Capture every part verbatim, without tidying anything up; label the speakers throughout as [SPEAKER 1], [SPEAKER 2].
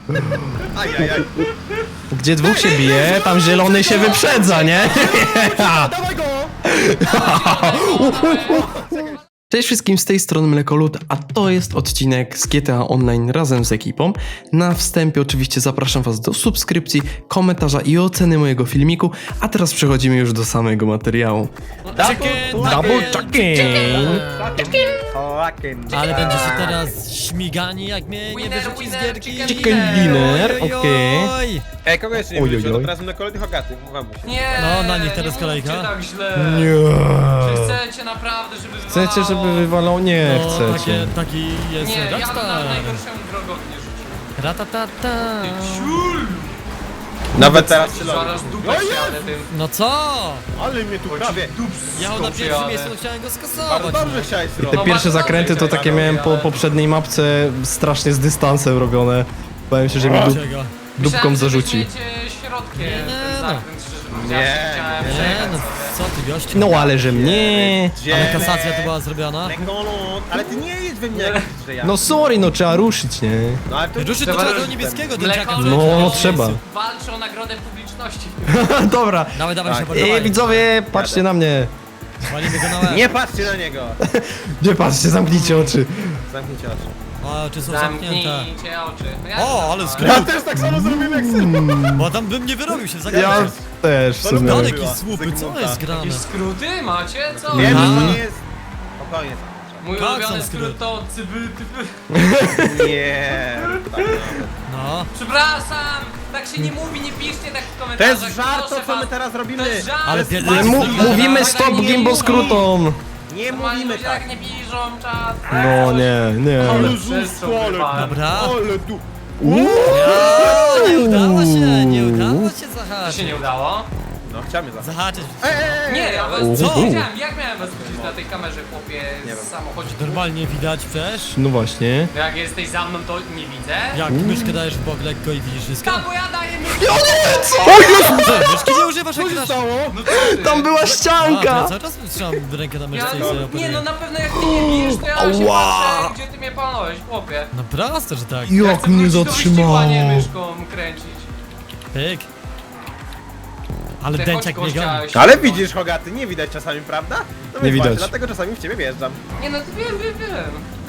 [SPEAKER 1] Ajajaj.
[SPEAKER 2] Gdzie dwóch się bije, tam zielony się wyprzedza, nie?
[SPEAKER 1] Dawaj go!
[SPEAKER 2] Cześć wszystkim, z tej strony Mlekolud, a to jest odcinek z G T A Online razem z ekipą. Na wstępie oczywiście zapraszam was do subskrypcji, komentarza i oceny mojego filmiku, a teraz przechodzimy już do samego materiału.
[SPEAKER 3] Chicken,
[SPEAKER 2] Double chicken!
[SPEAKER 3] Ale będziecie teraz śmigani, jak mnie nie wyrzuci z gierki.
[SPEAKER 2] Chicken dinner,
[SPEAKER 3] Oj,
[SPEAKER 2] okej.
[SPEAKER 3] oj.
[SPEAKER 1] Ej, kogo jeszcze nie
[SPEAKER 2] Oj,
[SPEAKER 1] wróciło?
[SPEAKER 2] oj,
[SPEAKER 1] To
[SPEAKER 2] oj.
[SPEAKER 1] teraz na kolejnych Hogaty, mówię się.
[SPEAKER 4] Nie!
[SPEAKER 3] No, na nich teraz
[SPEAKER 4] nie
[SPEAKER 3] kolejka.
[SPEAKER 4] mówcie tak źle.
[SPEAKER 2] Nie.
[SPEAKER 4] Czy chcecie naprawdę, żeby
[SPEAKER 2] Chcecie, żeby
[SPEAKER 4] wywalało?
[SPEAKER 2] wywalał? Nie
[SPEAKER 3] No,
[SPEAKER 2] chcecie.
[SPEAKER 3] takie, taki jest
[SPEAKER 4] Nie, ja bym
[SPEAKER 3] Rockstar.
[SPEAKER 4] na najgorszemu drogownie rzucił.
[SPEAKER 3] Ratatata.
[SPEAKER 4] Ciul!
[SPEAKER 1] Nawet teraz się
[SPEAKER 4] Zaraz dupę siadę tym.
[SPEAKER 3] No co?
[SPEAKER 1] Ale mnie tu prawie.
[SPEAKER 3] Ja na pierwszym miejscu no chciałem go
[SPEAKER 1] Bardzo
[SPEAKER 3] skasować.
[SPEAKER 1] dobrze chciałeś
[SPEAKER 2] Te
[SPEAKER 1] zrobić.
[SPEAKER 4] No
[SPEAKER 2] pierwsze
[SPEAKER 4] bardzo
[SPEAKER 2] zakręty to
[SPEAKER 4] dobrze,
[SPEAKER 2] takie
[SPEAKER 4] ale-
[SPEAKER 2] miałem po poprzedniej mapce strasznie z dystansem robione. Bałem się, że mi dup,
[SPEAKER 3] Czego?
[SPEAKER 2] dupką zarzuci.
[SPEAKER 4] Myślałem, środkiem
[SPEAKER 3] Nie,
[SPEAKER 4] ten
[SPEAKER 3] no.
[SPEAKER 4] zakręt, szczerze mówiąc.
[SPEAKER 1] Nie,
[SPEAKER 4] Chciałem
[SPEAKER 1] nie.
[SPEAKER 3] Nie,
[SPEAKER 4] przejechać
[SPEAKER 3] no
[SPEAKER 4] sobie.
[SPEAKER 3] co ty gościu?
[SPEAKER 2] No ale że mnie.
[SPEAKER 3] Ale kasacja to była zrobiona.
[SPEAKER 1] Lekolot. Ale ty nie jedź we mnie jak że ja.
[SPEAKER 2] No sorry, no trzeba ruszyć, nie?
[SPEAKER 1] No ale to
[SPEAKER 3] Ruszy do
[SPEAKER 4] Trzeba
[SPEAKER 3] czego
[SPEAKER 4] ruszyć.
[SPEAKER 3] niebieskiego
[SPEAKER 4] Mleko
[SPEAKER 3] dęciaka.
[SPEAKER 2] No,
[SPEAKER 4] leci,
[SPEAKER 2] trzeba.
[SPEAKER 4] Walczy o nagrodę publiczności.
[SPEAKER 2] Dobra.
[SPEAKER 3] Dawaj, dawaj się
[SPEAKER 1] Tak.
[SPEAKER 2] Ej,
[SPEAKER 3] podawaj.
[SPEAKER 2] widzowie, patrzcie na mnie.
[SPEAKER 3] Walimy go na łeb.
[SPEAKER 1] Nie patrzcie na niego.
[SPEAKER 2] Nie patrzcie, zamknijcie oczy.
[SPEAKER 1] Zamknijcie oczy.
[SPEAKER 3] O, czy są zamknięte?
[SPEAKER 4] Zamknijcie oczy. No ja
[SPEAKER 3] O,
[SPEAKER 4] to
[SPEAKER 3] ale
[SPEAKER 4] znam.
[SPEAKER 1] Ja też tak samo zrobiłem jak sen.
[SPEAKER 3] Bo tam bym nie wyrobił się w
[SPEAKER 2] Ja
[SPEAKER 3] zagraniu.
[SPEAKER 2] też w sumie.
[SPEAKER 3] Daleki
[SPEAKER 1] była.
[SPEAKER 3] słupy, co jest grane?
[SPEAKER 4] Jakieś skróty macie? Co?
[SPEAKER 1] Wiem,
[SPEAKER 3] Aha.
[SPEAKER 1] że to nie jest... Spokojnie.
[SPEAKER 4] Mój
[SPEAKER 3] Tak,
[SPEAKER 4] ulubiony
[SPEAKER 3] są
[SPEAKER 4] skrót
[SPEAKER 3] skróty.
[SPEAKER 4] to cyby, typy.
[SPEAKER 1] Nie. Tak nawet.
[SPEAKER 3] No.
[SPEAKER 4] Przepraszam, tak się nie mówi, nie piszcie tak w
[SPEAKER 1] To
[SPEAKER 4] komentarzach.
[SPEAKER 1] jest żart, to
[SPEAKER 4] proszę
[SPEAKER 1] co my
[SPEAKER 4] was.
[SPEAKER 1] teraz robimy.
[SPEAKER 4] To jest żart.
[SPEAKER 3] Ale
[SPEAKER 4] to jest
[SPEAKER 3] pierdolę,
[SPEAKER 4] żart.
[SPEAKER 2] Mu
[SPEAKER 3] Normalnie
[SPEAKER 2] mówimy
[SPEAKER 4] tak
[SPEAKER 2] stop
[SPEAKER 4] nie
[SPEAKER 2] gimbo
[SPEAKER 4] mówi.
[SPEAKER 2] skrótom.
[SPEAKER 1] Nie
[SPEAKER 4] Normalnie
[SPEAKER 1] mówimy
[SPEAKER 4] ludzie
[SPEAKER 1] tak.
[SPEAKER 4] tak nie piszą, czat.
[SPEAKER 2] No nie, nie.
[SPEAKER 4] Ale
[SPEAKER 1] Jezus,
[SPEAKER 4] przestrzał
[SPEAKER 1] ale-
[SPEAKER 4] wywalę.
[SPEAKER 3] Dobra.
[SPEAKER 1] Ale tu...
[SPEAKER 3] O, nie udało się, nie udało się
[SPEAKER 4] To
[SPEAKER 3] zahaczyć.
[SPEAKER 4] się nie udało?
[SPEAKER 1] No, chciałem je za...
[SPEAKER 3] Zahaczyć.
[SPEAKER 4] Nie, ja was
[SPEAKER 2] Uhu.
[SPEAKER 4] co wiedziałem, jak miałem was widzieć na tej kamerze, chłopie,
[SPEAKER 1] Nie wiem.
[SPEAKER 4] z samochodzie.
[SPEAKER 3] Normalnie widać przecież.
[SPEAKER 2] No właśnie.
[SPEAKER 4] No jak jesteś za mną, to nie widzę.
[SPEAKER 3] Jak myszkę dajesz w bok lekko i widzisz wszystko.
[SPEAKER 4] Tam, bo ja daję mi...
[SPEAKER 3] Co, myszki nie używasz jak grasz?
[SPEAKER 4] No co ty?
[SPEAKER 2] Tam była
[SPEAKER 3] A, to ja
[SPEAKER 2] ścianka.
[SPEAKER 3] cały czas trzymam rękę na
[SPEAKER 4] Ja,
[SPEAKER 3] myszce i sobie
[SPEAKER 4] nie
[SPEAKER 3] operuję.
[SPEAKER 4] no, na pewno jak ty nie bijesz, to ja się
[SPEAKER 2] Ała.
[SPEAKER 4] patrzę, gdzie ty mnie palnąłeś, chłopie.
[SPEAKER 3] No proste, że tak.
[SPEAKER 4] Ja
[SPEAKER 2] Jak
[SPEAKER 4] chcę
[SPEAKER 2] mnie
[SPEAKER 4] wrócić do wyścigu,
[SPEAKER 2] zatrzymało.
[SPEAKER 4] a nie myszką kręcić.
[SPEAKER 3] Pyk. Ale
[SPEAKER 4] Ty
[SPEAKER 3] dęciak
[SPEAKER 4] chodź,
[SPEAKER 3] mnie goni.
[SPEAKER 4] gościa,
[SPEAKER 1] Ale
[SPEAKER 4] siedź,
[SPEAKER 1] widzisz, Hogaty, nie widać czasami, prawda? No
[SPEAKER 2] Nie
[SPEAKER 1] więc
[SPEAKER 2] widać.
[SPEAKER 1] Właśnie, dlatego czasami w ciebie wjeżdżam.
[SPEAKER 4] Nie no, to wiem, wiem, wiem.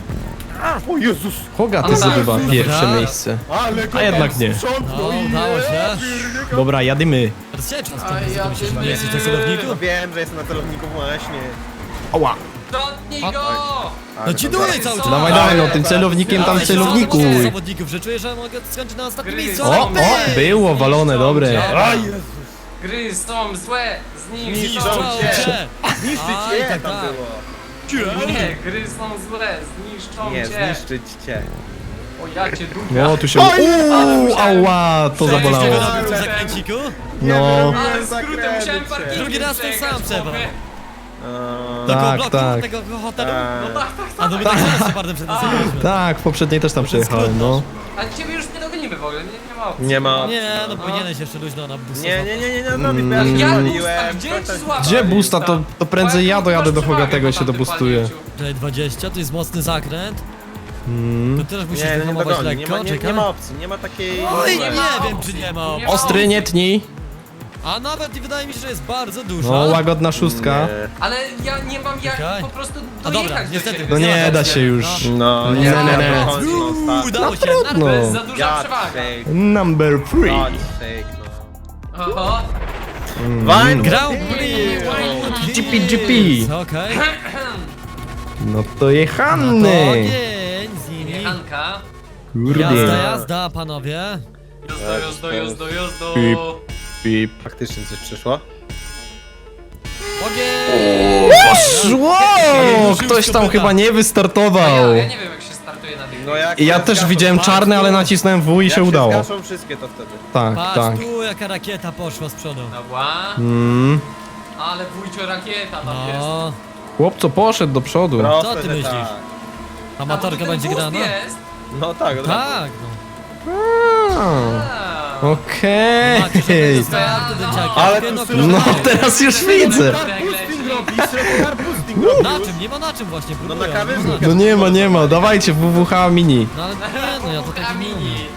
[SPEAKER 1] O Jezus!
[SPEAKER 2] Hogaty
[SPEAKER 4] Ale
[SPEAKER 2] zdobywa
[SPEAKER 3] tak.
[SPEAKER 2] pierwsze
[SPEAKER 3] Dobra.
[SPEAKER 2] miejsce.
[SPEAKER 1] Ale
[SPEAKER 2] A jednak nie.
[SPEAKER 3] No, udało się.
[SPEAKER 2] Dobra, jadymy.
[SPEAKER 3] Teraz się czas
[SPEAKER 4] A
[SPEAKER 3] tam
[SPEAKER 4] ja
[SPEAKER 3] myślisz, że
[SPEAKER 4] bym-
[SPEAKER 3] nie jesteś na celowniku?
[SPEAKER 1] No wiem, że jestem na celowniku właśnie.
[SPEAKER 2] Ała.
[SPEAKER 4] Dotknij
[SPEAKER 3] A-
[SPEAKER 4] go!
[SPEAKER 1] Ale
[SPEAKER 3] No ci
[SPEAKER 1] to
[SPEAKER 3] duję
[SPEAKER 1] zaraz-
[SPEAKER 3] cały czas.
[SPEAKER 2] Dawaj,
[SPEAKER 4] Ale-
[SPEAKER 2] dawaj, no tym celownikiem tam w
[SPEAKER 3] Ale się
[SPEAKER 2] celowniku.
[SPEAKER 3] zawodników, zawodników, że czuję, że mogę skończyć na ostatnim
[SPEAKER 4] Gry.
[SPEAKER 3] miejscu.
[SPEAKER 2] O, o,
[SPEAKER 3] Pyk.
[SPEAKER 2] było walone, dobre.
[SPEAKER 4] Dobra.
[SPEAKER 1] A Jezus!
[SPEAKER 4] Gry są złe, zniszczą
[SPEAKER 1] Zniszczą
[SPEAKER 4] cię!
[SPEAKER 1] cię. Zniszczyć
[SPEAKER 3] Aj,
[SPEAKER 1] je
[SPEAKER 3] tak,
[SPEAKER 1] tam
[SPEAKER 3] tak.
[SPEAKER 1] było.
[SPEAKER 4] Nie, gry są złe, zniszczą
[SPEAKER 1] Nie,
[SPEAKER 4] cię!
[SPEAKER 1] zniszczyć cię.
[SPEAKER 4] O ja cię dupia!
[SPEAKER 2] No, tu się... Uuu, ała, to
[SPEAKER 3] Coś
[SPEAKER 2] zabolało.
[SPEAKER 3] tego robił w tym zakręciku?
[SPEAKER 2] No.
[SPEAKER 4] Ale skrótem musiałem parkingiem
[SPEAKER 3] Drugi raz ten sam
[SPEAKER 4] przejechać,
[SPEAKER 3] trzeba.
[SPEAKER 4] chłopie.
[SPEAKER 1] Eee,
[SPEAKER 3] Do koło
[SPEAKER 2] Tak,
[SPEAKER 3] bloku,
[SPEAKER 2] tak.
[SPEAKER 3] tego hotelu?
[SPEAKER 1] eee,
[SPEAKER 4] No tak, tak,
[SPEAKER 3] A no my tak samo Shepardem przed tym zrobiliśmy.
[SPEAKER 2] Tak, w poprzedniej też tam przejechałem, no.
[SPEAKER 4] a ciebie już nie dogonimy w ogóle, nie, nie ma opcji.
[SPEAKER 1] Nie ma.
[SPEAKER 3] Nie, no powinieneś jeszcze luźno na busa.
[SPEAKER 1] Nie, nie, nie, nie, nie zrobić, bo ja się
[SPEAKER 4] Ja
[SPEAKER 1] zwaliłem.
[SPEAKER 4] busta, gdzie
[SPEAKER 1] Coś tam-
[SPEAKER 4] ci złapać?
[SPEAKER 2] Gdzie busta, to, to prędzej ja dojadę do Hogatego i się dobustuję.
[SPEAKER 3] Tutaj dwadzieścia, to jest mocny zakręt.
[SPEAKER 2] Mm.
[SPEAKER 3] To też musisz
[SPEAKER 1] Nie, nie
[SPEAKER 3] wyhamować
[SPEAKER 1] dogoni, nie
[SPEAKER 3] lekko,
[SPEAKER 1] ma, nie, nie
[SPEAKER 3] czekaj.
[SPEAKER 1] ma opcji, nie ma takiej...
[SPEAKER 3] Oj,
[SPEAKER 4] Nie
[SPEAKER 3] nie
[SPEAKER 4] ma
[SPEAKER 3] wiem,
[SPEAKER 4] opcji.
[SPEAKER 3] czy nie ma
[SPEAKER 4] Nie
[SPEAKER 3] opcji.
[SPEAKER 4] ma
[SPEAKER 2] Ostry, nie tnij.
[SPEAKER 3] A nawet i wydaje mi się, że jest bardzo duża.
[SPEAKER 2] No, łagodna szóstka.
[SPEAKER 1] Nie.
[SPEAKER 4] Ale ja nie mam jak
[SPEAKER 3] Czekaj.
[SPEAKER 4] po prostu
[SPEAKER 3] A dobra,
[SPEAKER 4] dojechać do
[SPEAKER 3] niestety.
[SPEAKER 4] ciebie.
[SPEAKER 2] No nie da się już.
[SPEAKER 1] No,
[SPEAKER 2] Nie,
[SPEAKER 1] nie,
[SPEAKER 2] nie,
[SPEAKER 1] nie,
[SPEAKER 2] nie.
[SPEAKER 1] nie. Końcu,
[SPEAKER 3] Uuu,
[SPEAKER 1] ostatni.
[SPEAKER 3] udało się.
[SPEAKER 2] trudno.
[SPEAKER 4] To jest za duża
[SPEAKER 1] God
[SPEAKER 4] przewaga.
[SPEAKER 1] sake,
[SPEAKER 2] Number three.
[SPEAKER 1] God sake, no.
[SPEAKER 4] Oho.
[SPEAKER 1] Wine
[SPEAKER 3] Grand
[SPEAKER 1] Prix.
[SPEAKER 3] Prix.
[SPEAKER 2] G P, G P.
[SPEAKER 3] Okej.
[SPEAKER 2] No to
[SPEAKER 3] No
[SPEAKER 2] jechany.
[SPEAKER 3] ogień z nimi.
[SPEAKER 4] Jechanka.
[SPEAKER 3] Jazda,
[SPEAKER 2] Kurde.
[SPEAKER 3] jazda, panowie.
[SPEAKER 4] Jozdo, jozdo, jozdo, jozdo.
[SPEAKER 2] Pip. Pip.
[SPEAKER 1] Faktycznie coś przyszło?
[SPEAKER 3] Ogień!
[SPEAKER 2] Poszło! Ktoś tam chyba nie
[SPEAKER 4] A
[SPEAKER 2] wystartował.
[SPEAKER 4] ja, ja nie wiem jak się startuje na tych.
[SPEAKER 1] No jak
[SPEAKER 2] I ja
[SPEAKER 1] się
[SPEAKER 2] też
[SPEAKER 1] zgaszą-
[SPEAKER 2] widziałem czarne, ale nacisnąłem W i
[SPEAKER 1] jak
[SPEAKER 2] się udało.
[SPEAKER 1] zgaszą wszystkie to wtedy.
[SPEAKER 2] Tak,
[SPEAKER 3] Patrz
[SPEAKER 2] tak.
[SPEAKER 3] tu, jaka rakieta poszła z przodu.
[SPEAKER 4] Dobra.
[SPEAKER 2] Mm.
[SPEAKER 4] Ale wujcio rakieta tam jest.
[SPEAKER 3] No,
[SPEAKER 2] Chłopco poszedł do przodu.
[SPEAKER 1] Proste,
[SPEAKER 3] Co ty
[SPEAKER 1] że
[SPEAKER 3] myślisz?
[SPEAKER 1] tak.
[SPEAKER 3] amatorka
[SPEAKER 4] A, bo tu
[SPEAKER 3] będzie
[SPEAKER 4] ten
[SPEAKER 3] grana?
[SPEAKER 4] boost jest.
[SPEAKER 1] No tak, od razu.
[SPEAKER 3] Tak, no.
[SPEAKER 2] A,
[SPEAKER 4] A.
[SPEAKER 2] Okej.
[SPEAKER 3] Macie, że to jest dęciaki.
[SPEAKER 1] Ale tu
[SPEAKER 3] no,
[SPEAKER 1] sylo-
[SPEAKER 2] No teraz już widzę.
[SPEAKER 1] Car boosting robi, car boosting robi.
[SPEAKER 3] Na czym? Nie ma na czym właśnie,
[SPEAKER 1] No
[SPEAKER 3] próbuję.
[SPEAKER 1] na kawę
[SPEAKER 3] nie ma na
[SPEAKER 1] z-
[SPEAKER 3] czym.
[SPEAKER 2] No nie ma, nie ma. Dawajcie W W H mini.
[SPEAKER 3] No ale nie, no ja to taki
[SPEAKER 4] Mini.
[SPEAKER 3] mini.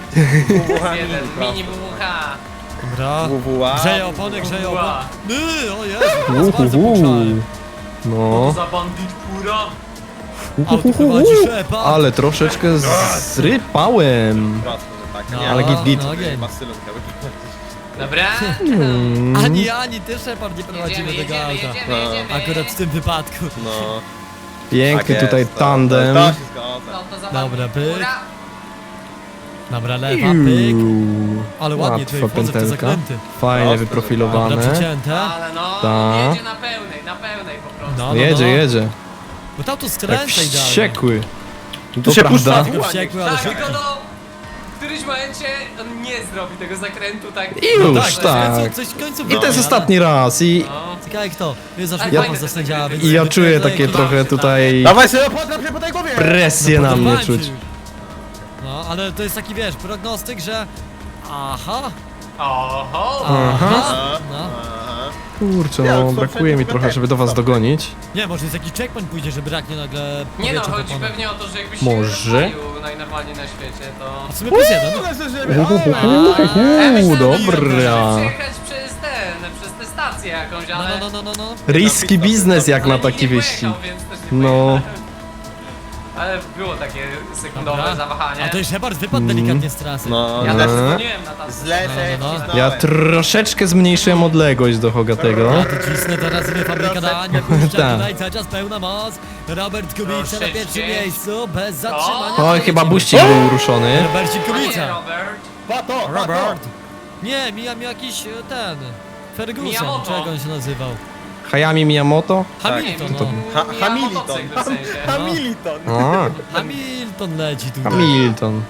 [SPEAKER 4] Jeden, mini W W H.
[SPEAKER 3] Dobra.
[SPEAKER 1] W W A.
[SPEAKER 3] Grzeje opony, grzeje opony.
[SPEAKER 4] Ła.
[SPEAKER 3] Yy, o Jezu, teraz bardzo
[SPEAKER 2] Uhuhu.
[SPEAKER 3] puszczałem.
[SPEAKER 2] No,
[SPEAKER 4] Za bandit pura.
[SPEAKER 3] Auto prowadzi szepa.
[SPEAKER 2] ale troszeczkę zrypałem.
[SPEAKER 1] Prosto, że tak.
[SPEAKER 3] No,
[SPEAKER 1] Nie,
[SPEAKER 2] ale git, git.
[SPEAKER 3] no,
[SPEAKER 1] nie
[SPEAKER 3] game.
[SPEAKER 1] ma stylu.
[SPEAKER 4] Dobra.
[SPEAKER 2] Mm.
[SPEAKER 3] Ani, ani ty Shepard nie prowadzimy
[SPEAKER 4] Jedziemy,
[SPEAKER 3] tego
[SPEAKER 4] jedziemy,
[SPEAKER 3] auta.
[SPEAKER 4] jedziemy,
[SPEAKER 1] No.
[SPEAKER 4] jedziemy.
[SPEAKER 3] Akurat w tym wypadku.
[SPEAKER 1] No.
[SPEAKER 2] Piękny
[SPEAKER 1] tak
[SPEAKER 2] tutaj
[SPEAKER 1] jest, to-
[SPEAKER 2] tandem.
[SPEAKER 1] To, to się zgadza.
[SPEAKER 4] No to za
[SPEAKER 3] Dobra,
[SPEAKER 4] bandit
[SPEAKER 3] pyk.
[SPEAKER 4] pura.
[SPEAKER 3] Dobra, lewa, pyk.
[SPEAKER 2] Iuuu.
[SPEAKER 3] Ale ładnie tutaj
[SPEAKER 2] Łatwa
[SPEAKER 3] wchodzę w te
[SPEAKER 2] pętelka.
[SPEAKER 3] zakręty.
[SPEAKER 2] Fajnie
[SPEAKER 1] Prosto,
[SPEAKER 3] Dobra,
[SPEAKER 2] wyprofilowane.
[SPEAKER 3] przecięte.
[SPEAKER 4] Ale no,
[SPEAKER 2] Ta.
[SPEAKER 4] jedzie na pełnej, na pełnej po prostu.
[SPEAKER 3] No, no,
[SPEAKER 2] Jedzie,
[SPEAKER 3] no.
[SPEAKER 2] jedzie.
[SPEAKER 3] Bo tam tu
[SPEAKER 2] Tak
[SPEAKER 3] skręca idealnie.
[SPEAKER 2] wściekły.
[SPEAKER 1] Tu
[SPEAKER 2] To
[SPEAKER 1] się
[SPEAKER 2] prawda.
[SPEAKER 1] puszcza.
[SPEAKER 3] Tylko wściekły, ale
[SPEAKER 4] Tak,
[SPEAKER 3] szybki.
[SPEAKER 4] tylko no, w którymś momencie on nie zrobi tego zakrętu tak.
[SPEAKER 2] I już,
[SPEAKER 3] No
[SPEAKER 2] tak.
[SPEAKER 3] tak. Coś w końcu
[SPEAKER 2] I to jest ostatni raz i,
[SPEAKER 4] No.
[SPEAKER 3] Ciekawe kto. Jest zawsze
[SPEAKER 4] Ale
[SPEAKER 3] ja,
[SPEAKER 4] fajne te
[SPEAKER 3] zasędziała,
[SPEAKER 4] zakręty.
[SPEAKER 3] więc...
[SPEAKER 2] i ja czuję
[SPEAKER 3] wydaje
[SPEAKER 2] takie
[SPEAKER 3] mi-
[SPEAKER 2] trochę tutaj
[SPEAKER 1] Dawaj sobie, potraf się po tej głowie!
[SPEAKER 2] presję na mnie
[SPEAKER 3] Podobałem
[SPEAKER 2] czuć.
[SPEAKER 3] ci. No, ale to jest taki, wiesz, prognostyk, że... Aha,
[SPEAKER 4] Oho!
[SPEAKER 2] Aha.
[SPEAKER 1] Aha,
[SPEAKER 3] No.
[SPEAKER 1] aha.
[SPEAKER 2] Kurczę,
[SPEAKER 1] Ja,
[SPEAKER 2] no
[SPEAKER 1] co,
[SPEAKER 2] brakuje mi
[SPEAKER 1] przed-
[SPEAKER 2] trochę, żeby do was dogonić.
[SPEAKER 3] nie, może jest jakiś checkpoint pójdzie, że braknie nagle
[SPEAKER 4] Nie no,
[SPEAKER 3] powietrza
[SPEAKER 4] chodzi
[SPEAKER 3] popona.
[SPEAKER 4] pewnie o to, że jakbyś
[SPEAKER 2] Może?
[SPEAKER 4] się rozwalił najnormalniej na świecie, to...
[SPEAKER 3] A w sumie plus jeden, no.
[SPEAKER 1] Ale że- żeby-
[SPEAKER 2] Uhuhu,
[SPEAKER 4] Ja myślę, że
[SPEAKER 2] dobra.
[SPEAKER 4] możesz przejechać przez ten, przez tę stację jakąś,
[SPEAKER 3] No,
[SPEAKER 4] ale...
[SPEAKER 3] no, no, no, no.
[SPEAKER 2] Riski biznes jak
[SPEAKER 4] ale
[SPEAKER 2] na
[SPEAKER 4] nikt
[SPEAKER 2] taki
[SPEAKER 4] nie
[SPEAKER 2] wyścig.
[SPEAKER 4] pojechał, więc też nie
[SPEAKER 2] No.
[SPEAKER 4] pojechałem. Ale było takie sekundowe
[SPEAKER 3] Dobra.
[SPEAKER 4] zawahanie.
[SPEAKER 3] A to jest Shepard wypadł delikatnie z trasy.
[SPEAKER 1] No,
[SPEAKER 4] Ja
[SPEAKER 2] No.
[SPEAKER 4] też dzwoniłem na tam.
[SPEAKER 1] źle
[SPEAKER 3] No,
[SPEAKER 1] się
[SPEAKER 3] no, no.
[SPEAKER 1] wcisnąłem.
[SPEAKER 2] Ja troszeczkę zmniejszyłem odległość do Hogatego.
[SPEAKER 3] Ja tu cisnę teraz ile fabryka da, nie puszcza
[SPEAKER 2] Tak.
[SPEAKER 3] tutaj, cały czas pełna moc. Robert Kubica na
[SPEAKER 4] Troszeczkę.
[SPEAKER 3] pierwszym miejscu, bez zatrzymania.
[SPEAKER 2] Oj, chyba buścik był ruszony.
[SPEAKER 3] Robercik
[SPEAKER 4] A nie,
[SPEAKER 3] Kubica.
[SPEAKER 4] Robert.
[SPEAKER 1] Pato, pato!
[SPEAKER 3] Robert. Nie, mija mi jakiś e, ten... Ferguson,
[SPEAKER 4] Miyamoto.
[SPEAKER 3] czy jak on się nazywał?
[SPEAKER 2] Hayami Miyamoto?
[SPEAKER 3] Hamilton,
[SPEAKER 2] to-
[SPEAKER 3] no.
[SPEAKER 1] Ha
[SPEAKER 4] Ja
[SPEAKER 1] Hamilton.
[SPEAKER 4] motocykl w sensie.
[SPEAKER 1] Hamilton.
[SPEAKER 2] A,
[SPEAKER 3] Hamilton leci tutaj.
[SPEAKER 2] Hamilton.